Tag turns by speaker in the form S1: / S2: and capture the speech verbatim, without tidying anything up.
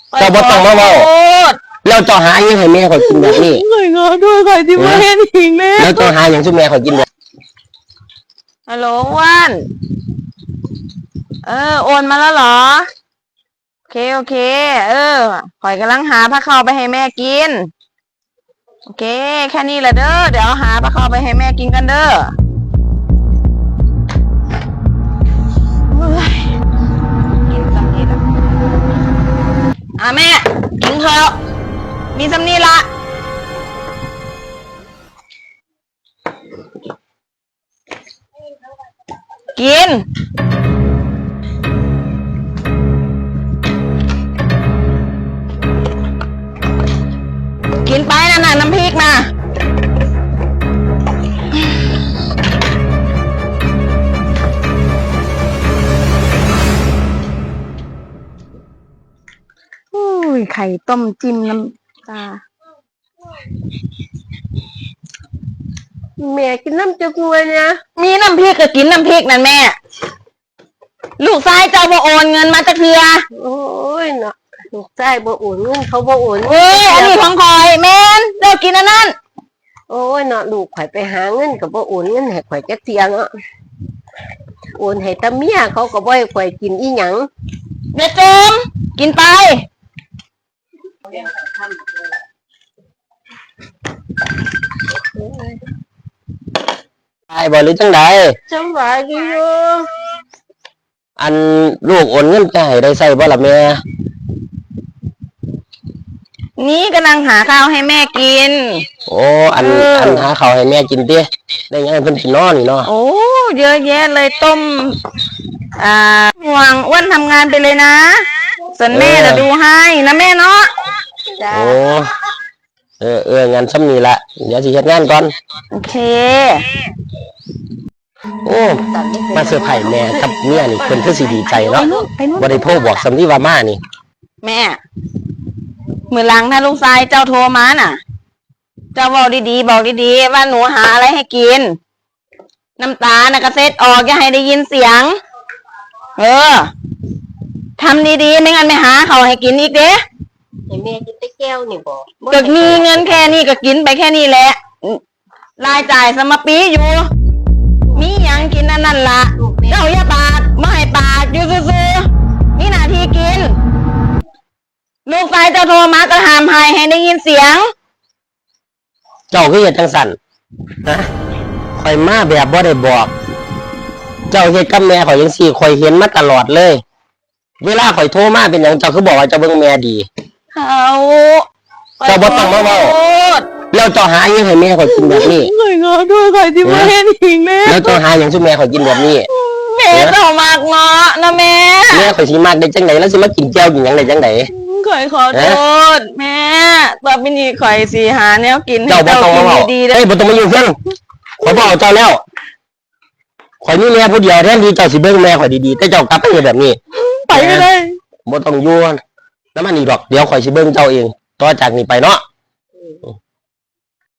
S1: เจ้าบ่ต้องมาเว้าแล้วเจ้าหายังให้แม่ข่อยกินแบบนี้
S2: ข่อยขอโทษข่อยที่มาเห็นอีกแล้ว
S1: แล้วเจ้าหายังซุแม่ข่อยกินแบบ
S2: ฮัลโหลวันเออโอนมาแล้วเหรอโอเคโอเคเออข่อยกำลังหาผ้าขาวไปให้แม่กินโอเคแค่นี้แหละเด้อเดี๋ยวหาผ้าขาวไปให้แม่กินกันเด้อกินสำนีละอ่ะแม่กินเถอะมีสำนีละกินกินไปนะน่ะน้ำพริกนะอุ้ยไข่ต้มจิ้มน้ำตา
S3: แม่กินน้ำจักรวยเนี่ย
S2: มีน้ำพริกก็กินน้ำพริกนั่นแม่ลูกชายเจ้าบ่โอนเงินมาตะเทือ
S3: โอ้ยเนาะลูกชายบ่โอนเงินเขาบ่โอน
S2: เอ้ยอันนี้ของคอยแม่นเลิกกินอันนั้น
S3: โอ้ยเนาะลูกข่อยไปหาเงินก็บ่โอนเงินให้ข่อยจักเที่ยเนาะโอนให้ตาเมียเขาก็บ่ให้ข่อยกินอีหยัง
S2: เด็ดจมกินไป
S1: ไอ้บ่หรือจังได
S3: สบายดีอยู่
S1: อันลูกโอนเงินจะให้ได้ใช้บ่ล่ะแม่
S2: นี่กำลังหาข้าวให้แม่กิน
S1: โอ้อันอันหาข้าวให้แม่กินติได้ยังเพิ่นสินอนนี่เนาะ
S2: โอ้เยอะแยะเลยต้มอ่าห่วงอ้วนทำงานไปเลยนะส่วนแม่จะดูให้นะแม่เนาะ
S1: โอ้เออเอองานซ้ำนี่ละเดี๋ยวสิเฮ็ดงานก่อน
S2: โอเค
S1: โอ้มาเซอร์ไพรส์แม่กับเมียนี่เพิ่นคือสิดีใจเนาะบ่ได้โทรบอกสำลีว่ามานี่
S2: แม่มื้อหลังถ้าลูกชายเจ้าโทรมาน่ะเจ้าบอกดีๆบอกดีๆว่าหนูหาอะไรให้กินน้ำตาน่ะกระเซ็ดออกอย่าให้ได้ยินเสียงเออทำดีๆไม่งั้นไม่หาเขาให้กินอีกเด้
S3: ให้แม่กินแต่แก้วนี่บ่
S2: ก็มีเงินแค่นี้ก็กินไปแค่นี้แหละรายจ่ายสมปีอยู่มียังกินนั่นนั่นละเจ้าอย่าปาดไม่ให้ปาดอยู่ซื่อๆนี่หน้าที่กินลูกชายเจ้าโทรมาก็ห้ามให้ให้ได้ยินเสียง
S1: เจ้าคือเฮ็ดจังสั่นนะข่อยมาแบบบ่ได้บอกเจ้าเฮ็ดกับแม่ข่อยจังซี่ข่อยเห็นมาตลอดเลยเวลาข่อยโทรมาเป็นหยังเจ้าคือบอกว่าเจ้าเบิ่งแม่ดี
S2: เขา
S1: เจ้าบ่ต้องมาเว้าแล้วเจ้าหายังให้แม่ข่อยกินแบบนี้
S2: ข่อยขอโทษข่อยที่มาเห็นอีกแล้ว
S1: แล้วเจ้าหายังซุแม่ข่อยกินแบบนี้
S2: แม่เจ้ามากเนาะนะแม่
S1: แม่ข่อยสิมากได้จังได๋แล้วสิมากินแก้วกินหยังได้จังได๋
S2: ข่อยขอโทษแม่ต่อไปนี้ข่อยสิหาแนวกินให้เจ้ากินดีๆเด้อ
S1: เอ้ยบ่ต้องมายุ่งเพิ่นข่อยบ่เอาเจ้าแล้วข่อยมีแม่ผู้เดียวแทนที่เจ้าสิเบิ่งแม่ข่อยดีๆแต่เจ้ากลับไปแบบนี้
S2: ไปก็ได้
S1: บ่ต้องอยู่นำมันอีกดอกเดี๋ยวข่อยสิเบิ่งเจ้าเองต่อจากนี้ไปเนาะ